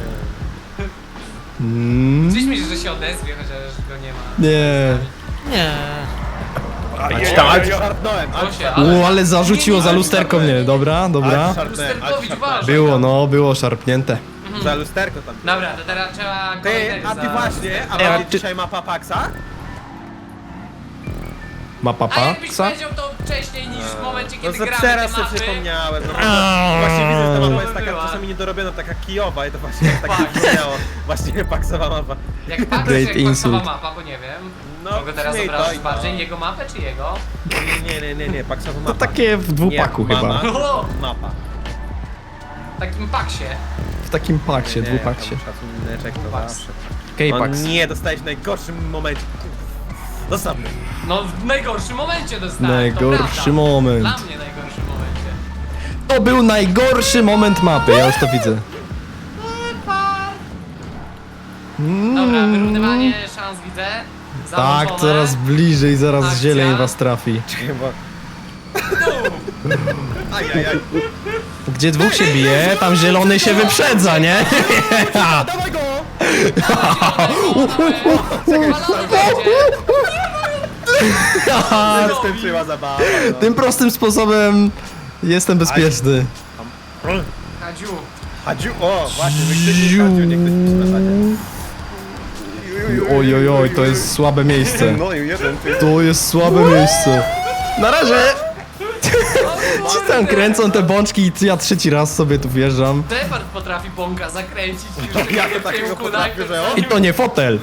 [SPEAKER 2] Mm.
[SPEAKER 4] Gdzieś mi się, że się odezwie, chociaż go nie ma.
[SPEAKER 2] Nie.
[SPEAKER 3] Nie.
[SPEAKER 1] A ci tam, ale ci szarpnąłem. ale ci
[SPEAKER 4] Proszę,
[SPEAKER 1] szarpnąłem.
[SPEAKER 2] U, ale zarzuciło za lusterko mnie. Dobra,
[SPEAKER 1] Ale
[SPEAKER 2] dobra.
[SPEAKER 1] ci szarpnąłem, ale ci
[SPEAKER 4] Lusterkowicz,
[SPEAKER 1] szarpnąłem.
[SPEAKER 4] uważaj.
[SPEAKER 2] Było, no, było szarpnięte.
[SPEAKER 1] Za lusterko tam.
[SPEAKER 4] Dobra, to teraz trzeba
[SPEAKER 1] Ty,
[SPEAKER 4] kolejnego
[SPEAKER 1] a ty
[SPEAKER 4] za-
[SPEAKER 1] właśnie, a
[SPEAKER 2] Ej, a
[SPEAKER 1] będzie
[SPEAKER 2] ty-
[SPEAKER 1] dzisiaj mapa Paxa?
[SPEAKER 2] Ma
[SPEAKER 4] A
[SPEAKER 2] papa?
[SPEAKER 4] jakbyś
[SPEAKER 2] Co?
[SPEAKER 4] powiedział to wcześniej niż w momencie,
[SPEAKER 1] No
[SPEAKER 4] kiedy
[SPEAKER 1] za
[SPEAKER 4] gramy
[SPEAKER 1] teraz
[SPEAKER 4] te
[SPEAKER 1] sobie
[SPEAKER 4] mapy.
[SPEAKER 1] przypomniałem. No,
[SPEAKER 2] Aaaa.
[SPEAKER 1] właśnie widzę, że ta mapa jest taka
[SPEAKER 4] Była.
[SPEAKER 1] czasami niedorobiona, taka kijowa i to właśnie tak
[SPEAKER 4] Fakt.
[SPEAKER 1] przypomniało. Właśnie Paxowa mapa.
[SPEAKER 4] Jak patrzysz,
[SPEAKER 2] Great
[SPEAKER 4] jak paksowa
[SPEAKER 2] insult.
[SPEAKER 4] mapa, bo nie wiem.
[SPEAKER 1] No,
[SPEAKER 4] Mogę teraz
[SPEAKER 1] w sumie i to,
[SPEAKER 4] obrazić
[SPEAKER 1] i to.
[SPEAKER 4] bardziej jego mapę, czy jego?
[SPEAKER 1] Nie, nie, nie, nie, nie, Paxowa mapa.
[SPEAKER 2] To takie w dwupaku
[SPEAKER 1] nie,
[SPEAKER 2] chyba.
[SPEAKER 1] mama,
[SPEAKER 4] O!
[SPEAKER 1] mapa.
[SPEAKER 4] W takim paksie.
[SPEAKER 2] W takim paksie,
[SPEAKER 1] Nie,
[SPEAKER 2] dwupaksie.
[SPEAKER 1] tam Szacuneczek to
[SPEAKER 4] Dwupaks.
[SPEAKER 1] zawsze. No
[SPEAKER 2] K-Pax.
[SPEAKER 1] nie, dostałeś w najgorszym momencie. Zostaw mnie.
[SPEAKER 4] No w najgorszym momencie dostałem,
[SPEAKER 2] Najgorszy
[SPEAKER 4] to prawda.
[SPEAKER 2] moment.
[SPEAKER 4] Dla mnie najgorszym momencie.
[SPEAKER 2] To był najgorszy moment mapy, ja już to widzę.
[SPEAKER 4] Dobra, wyrównywanie szans widzę.
[SPEAKER 2] Tak,
[SPEAKER 4] Załączone.
[SPEAKER 2] coraz bliżej, zaraz
[SPEAKER 4] Akcja.
[SPEAKER 2] zieleń was trafi.
[SPEAKER 1] Czekaj, bo... Ajajaj.
[SPEAKER 2] Gdzie dwóch się bije, tam zielony się wyprzedza, nie?
[SPEAKER 1] Dawaj go!
[SPEAKER 4] Zapalony będzie.
[SPEAKER 1] Skończyła zabawa. No.
[SPEAKER 2] Tym prostym sposobem jestem bezpieczny.
[SPEAKER 4] Kadziu.
[SPEAKER 1] Hadziu, o właśnie, wykrzyknik Hadziu, nie ktoś pisze na czacie.
[SPEAKER 2] Oj, oj, oj, to jest słabe miejsce.
[SPEAKER 1] No i jeden, ty.
[SPEAKER 2] To jest słabe miejsce. Na razie! Ci tam kręcą te bączki i ja trzeci raz sobie tu wjeżdżam.
[SPEAKER 4] Shepard potrafi bąka zakręcić już
[SPEAKER 1] Ja
[SPEAKER 4] w
[SPEAKER 1] to takiego
[SPEAKER 4] kierunku
[SPEAKER 1] potrafię,
[SPEAKER 4] najpierw
[SPEAKER 1] że on-
[SPEAKER 2] I to nie fotel.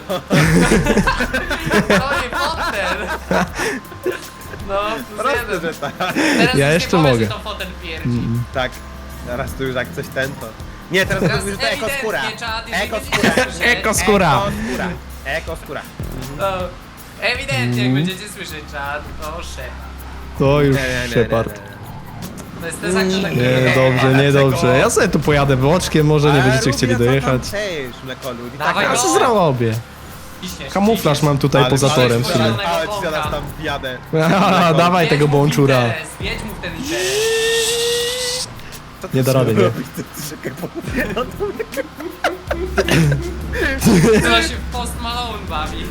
[SPEAKER 4] To nie fotel. No, plus
[SPEAKER 1] Proste,
[SPEAKER 4] jeden.
[SPEAKER 1] że tak.
[SPEAKER 4] Teraz
[SPEAKER 2] Ja
[SPEAKER 4] już
[SPEAKER 2] jeszcze
[SPEAKER 4] nie powiesz,
[SPEAKER 2] mogę.
[SPEAKER 4] że to fotel pierdzi.
[SPEAKER 1] Tak, teraz tu już jak coś ten to... Nie, teraz,
[SPEAKER 4] Teraz
[SPEAKER 1] teraz już to ekoskóra.
[SPEAKER 4] ewidentnie czad, jeżeli
[SPEAKER 1] Ekoskóra.
[SPEAKER 4] będziecie słyszeć-
[SPEAKER 2] Ekoskóra.
[SPEAKER 1] Ekoskóra. Ekoskóra.
[SPEAKER 4] No, ewidentnie jak będziecie słyszeć czad, to szef.
[SPEAKER 2] To już
[SPEAKER 1] Nie, nie, nie,
[SPEAKER 2] Shepard.
[SPEAKER 1] nie,
[SPEAKER 4] To jest ten zakres taki...
[SPEAKER 2] Nie, dobrze, nie dobrze. Ja sobie tu pojadę boczkiem, może nie
[SPEAKER 1] Ale
[SPEAKER 2] będziecie
[SPEAKER 1] Rubia,
[SPEAKER 2] chcieli
[SPEAKER 1] co tam
[SPEAKER 2] dojechać.
[SPEAKER 1] chcesz, mlekolu? I
[SPEAKER 4] Dawaj
[SPEAKER 1] tak-
[SPEAKER 2] Ja
[SPEAKER 4] go.
[SPEAKER 2] co zrobię?
[SPEAKER 4] Ciśniesz,
[SPEAKER 2] Kamuflaż
[SPEAKER 4] ciśniesz.
[SPEAKER 2] mam tutaj
[SPEAKER 1] Ale-
[SPEAKER 2] poza
[SPEAKER 1] ale
[SPEAKER 2] torem w
[SPEAKER 1] ci
[SPEAKER 2] sumie.
[SPEAKER 1] zaraz- Ale ci zaraz tam wjadę.
[SPEAKER 2] Haha, dawaj
[SPEAKER 4] Wiedź
[SPEAKER 2] tego
[SPEAKER 4] mu w
[SPEAKER 2] bączura.
[SPEAKER 4] interes, Wiedź mu w ten interes.
[SPEAKER 1] Co ty
[SPEAKER 2] Nie da
[SPEAKER 1] sobie
[SPEAKER 2] rady, nie?
[SPEAKER 1] robisz? Ty- ty czekaj, bo- no to mnie-
[SPEAKER 4] Chyba się w Post Malone bawi.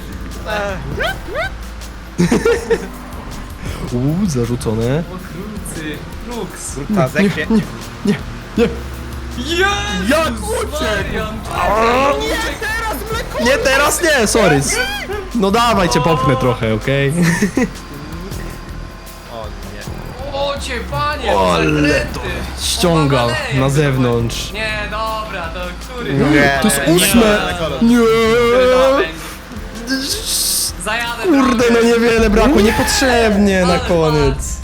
[SPEAKER 2] Uuu, zarzucone.
[SPEAKER 4] O krucy, kruks.
[SPEAKER 1] Ta zekwie.
[SPEAKER 2] Nie, nie, nie.
[SPEAKER 4] Jezus
[SPEAKER 1] Jak uciekł?
[SPEAKER 4] Marian,
[SPEAKER 1] Nie,
[SPEAKER 2] Nie, teraz nie, sorry. No dawaj cię popchnę trochę, okej?
[SPEAKER 1] O nie.
[SPEAKER 4] O cię panie,
[SPEAKER 2] O, ale
[SPEAKER 4] zakręty.
[SPEAKER 2] to ściąga
[SPEAKER 4] Powaleje
[SPEAKER 2] na
[SPEAKER 4] to
[SPEAKER 2] zewnątrz.
[SPEAKER 4] było. Nie, dobra, to który
[SPEAKER 2] Nie,
[SPEAKER 1] Nie,
[SPEAKER 2] to jest
[SPEAKER 1] nie,
[SPEAKER 2] ósme.
[SPEAKER 1] nie, nie,
[SPEAKER 2] Nie.
[SPEAKER 4] Który to będzie?
[SPEAKER 2] Kurde, no niewiele brakło, niepotrzebnie na koniec.